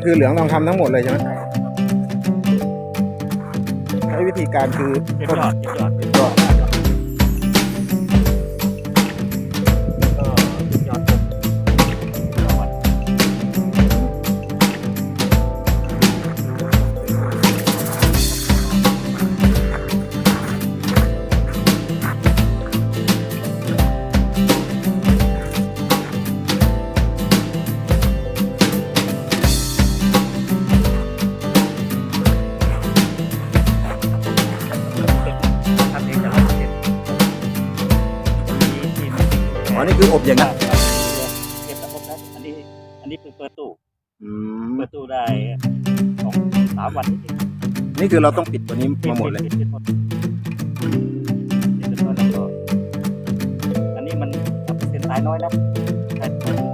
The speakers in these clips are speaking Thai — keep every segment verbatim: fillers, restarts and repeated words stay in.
คือเหลืองทองคำทั้งหมดเลยใช่ไหมใช้วิธีการคือเก็บยอดเก็บยอดเก็บยอดก็เก็บยอดผมยอดทำเองแต่ละเก็บมีทีมอ๋อนี่คืออบอย่างนั้นเก็บแล้วครบแล้วอันนี้อันนี้เพิ่งเปิดตู้อืมเปิดตู้ได้สองสามวันนิดนี่คือเราต้องปิดตัวนี้ๆมาหมดเลยปิดปิดหมดปิดหมดแล้วก็อันนี้มันเส้นสายน้อยแล้วอัน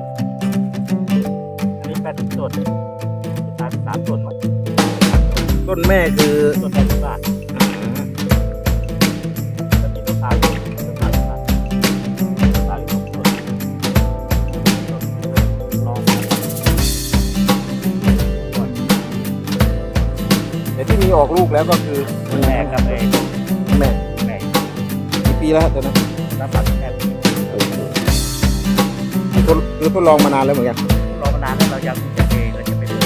นี้แปดสิบต้นสามสามต้นมั้งต้นแม่คือต้นแปดสิบบาทแล้วมีต้นสามต้นต้นสามสิบบาทสามสิบหกต้นลองแต่ที่มีออกลูกแล้วก็คือแม่กับไอ้แม่แม่กี่ปีแล้วฮะตอนนั้นน้ำปัดแม่ทดคือทดลองมานานแล้วเหมือนกันรอมานานแล้วเรายังจะเองเราจะไปเลย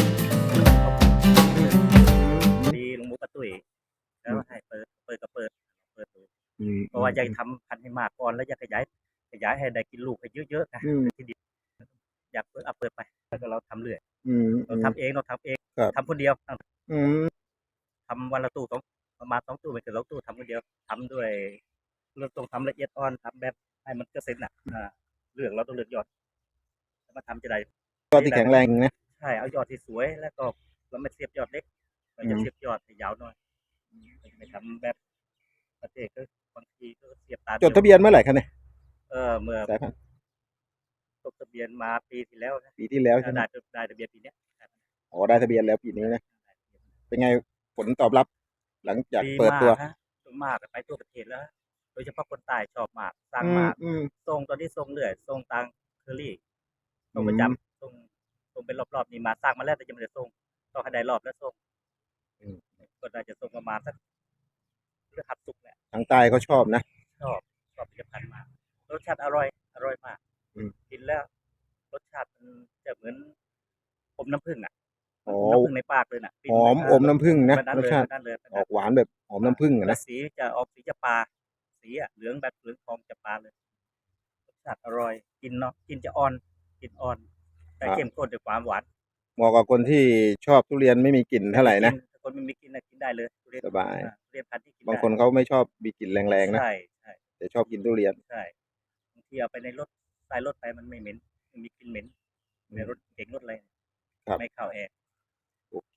ดีลงมุกกระตุ้ยแล้วให้เปิดเปิดก็เปิดเปิดดูอืมเพราะว่าอยากทำพันธุ์ให้มากก่อนแล้วอยากขยายขยายให้ได้กินลูกให้เยอะๆนะอืมที่ดินอยากเปิดเอาเปิดไปแล้วก็เราทำเรื่อยอืมเราทำเองเราทำเองครับทำคนเดียวอืมทำวันละตู้สองประมาณสองตู้ไม่เกินสองตู้ทำคนเดียวทำด้วยเราต้องทำละเอียดอ่อนทำแบบให้มันเกษตรน่ะอ่าเลือกเราต้องเลือกยอดแล้วมาทำจะได้ยอดที่แข็งแรงนะใช่เอายอดที่สวยแล้วก็เราไม่เสียบยอดเล็กเราจะเสียบยอดให้ยาวหน่อยไม่ทำแบบประเทศก็บางทีก็เสียบตาจดทะเบียนเมื่อไหร่ครับเนี่ยเออเมื่อสายพันธุ์จดทะเบียนมาปีที่แล้วนะปีที่แล้วใช่ไหมได้ได้ทะเบียนปีเนี้ยอ๋อได้ทะเบียนแล้วปีนี้นะเป็นไงผลตอบรับ หลังจากดีเปิดตัวมากฮะมากไปทั่วประเทศแล้ว โดยเฉพาะคนใต้ชอบมากสร้างอืมมากอืมส่งตอนนี้ส่งเรื่อยส่งตังเคอรี่ส่งประจำส่งส่งเป็นรอบๆนี่มาสร้างมาแล้วแต่ยังไม่ได้ส่งต้องให้ได้รอบแล้วส่งอืมก็น่าจะส่งประมาณสักเรือขับสุกแหละทางใต้เขาชอบนะชอบชอบผลิตภัณฑ์มากรสชาติอร่อยอร่อยมากอืมกินแล้ว รสชาติมันจะเหมือนอมน้ำผึ้งอ่ะอ๋อน้ำผึ้งในปากเลยน่ะหอมอมน้ำผึ้งนะแบบรสชาติแบบนั้นเลยแบบอนั้นอกหวานแบบหอมน้ำผึ้งอะแล้นะวสีจะออกสีจะปลาสีอ่ะเหลืองแบบเหลืองทองจะปลาเลยรสชาติอร่อยกินเนาะกินจะอ่อนกินอ่อน แต่เข้มข้นด้วยความหวานเหมาะกับคนที่ชอบทุเรียนไม่มีกลิ่นเท่าไหร่นะถ้าคนไม่มีกินนะกินได้เลยทุเรียนสบายอ่ทุเรียนพันธุ์ที่กินบางได้คนเขาไม่ชอบมีกลิ่นแรงๆนะใช่ใช่แต่ชอบกินทุเรียนใช่บางทีเอาไปในรถใส่รถไปมันไม่เหม็นไม่มีกลิ่นเหม็นในรถเก่งรถอะไรครับไม่เข้าแอร์โอเค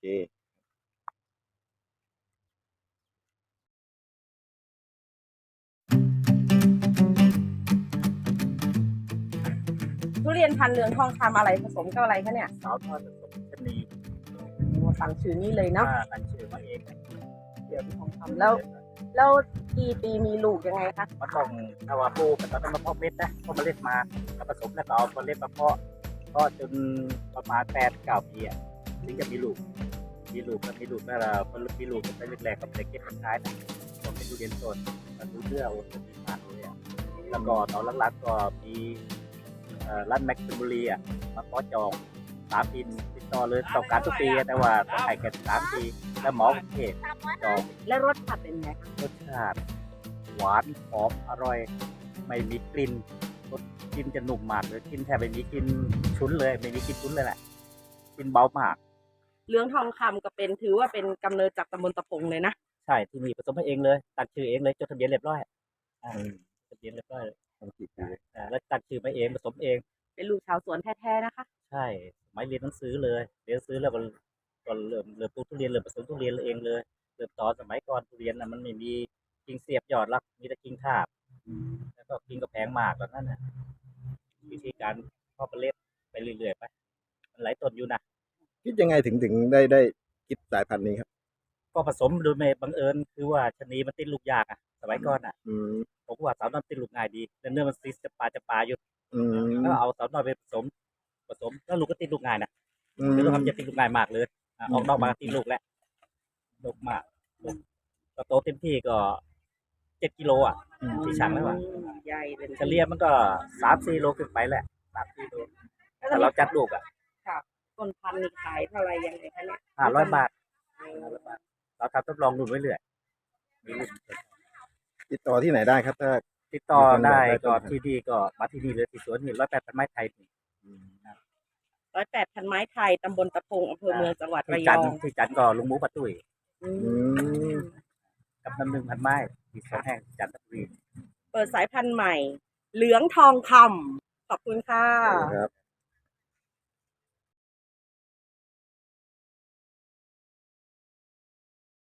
ทุเรียนพันธุ์เหลืองทองคำอะไรผสมกับอะไรคะเนี่ยสาวทอดผสมชะนีสั่งชื่อนี้เลยเนาะอ่าตั้งชื่อมาเองเหลืองทองคำแล้ว แล้วกี่ปีมีลูกยังไงคะมันต้องถ้าว่าปลูกก็ต้องมาเพาะเม็ดนะเพาะเมล็ดมาแล้วผสมแล้วก็เอาเมล็ดมาเพาะเพาะจนประมาณแปดเก้าปีอ่ะถึงจะมีลูก มีลูกก็มีลูกแล้วเราพอมีลูกก็ไปแรกๆก็ไปเก็บขายนะผมเป็นทุเรียนสดมันดูเลือกโอ้ดีมากเลยอ่ะแล้วก็ตอนหลังๆก็มีเอ่อร้านแม็กซ์บุรีอ่ะมาขอจองสามปีติดต่อเลยต้องการทุกปีแต่ว่าต้องให้แค่สามปีแล้วหมอกรุงเทพจองและรสชาติเป็นไงคะรสชาติหวานหอมอร่อย ไม่มีกลิ่นรสกินจะหนุ่มมากเลยกินแทบไม่มีกลิ่นฉุนเลย ไม่มีกลิ่นฉุนเลยแหละกินเบามากเหลืองทองคำก็เป็นถือว่าเป็นกำเนิดจากตำบลตะพงเลยนะใช่ที่นี่ผสมให้เองเลยตั้งชื่อเองเลยจดทะเบียนเรียบร้อยอ่าจดทะเบียนเรียบร้อยเลยทำกี่ปีอ่าแล้วตั้งชื่อมาเองผสมเองเป็นลูกชาวสวนแท้ๆนะคะใช่สมัยเรียนหนังสือเลยเรียนหนังสือแล้วก็ก็เริ่มเริ่มปลูกทุเรียนเริ่มผสมทุเรียนเองเลยเริ่มตอนสมัยก่อนทุเรียนนะมันไม่มีกิ่งเสียบยอดรักมีแต่กิ่งทาบแล้วก็กิ่งก็แพงมากแบบนั้นนะวิธีการเพาะเมล็ดไปเรื่อยๆไปมันหลายต้นอยู่นะคิดยังไงถึงถึงได้ได้คิดสายพันธุ์นี้ครับก็ผสมโดยไม่บังเอิญคือว่าชะนีมันติดลูกยากอ่ะสมัยก่อนอ่ะอืมผมว่าสาวน้อยติดลูกง่ายดีแล้วเนื้อมันซีจะปลาจะปลาอยู่อืมแล้วเอาสาวน้อยไปผสมผสมแล้วลูกก็ติดลูกง่ายนะอืมคือลูกทำจะติดลูกง่ายมากเลยอ่ะออกดอกมาติดลูกแล้วลูกมากลูกก็โตเต็มที่ก็เจ็ดกิโลอ่ะที่ช่างแล้วอ่ะอืมใหญ่เลยเฉลี่ยมันก็สามสี่โลขึ้นไปแหละสามสี่โลแต่เราจัดลูกอ่ะค่ะต้นพันธุ์นี่ขายเท่าไหรยังไงคะเนี่ยห้าร้อยบาทเราทำทดลองดูไว้เรื่อยมีลูกติดต่อที่ไหนได้ครับ ถ้าติดต่อได้มีคนอยากได้ก็ต้นพันธุ์ที่นี่ก็มาที่นี่เลยที่สวนนี่ร้อยแปดพันไม้ไทยนี่ร้อยแปดพันไม้ไทยตำบลตะพงอำเภอเมืองจังหวัดระที่ยจันอทงร์ที่จันทร์ก็ลุงหมูปะตุ้ยอือืมมกับน้ำหนึ่งพันไม้ที่สองแห่งจันทบุรีเปิดสายพันธุ์ใหม่ เหลืองทองคำขอบคุณค่ะครับ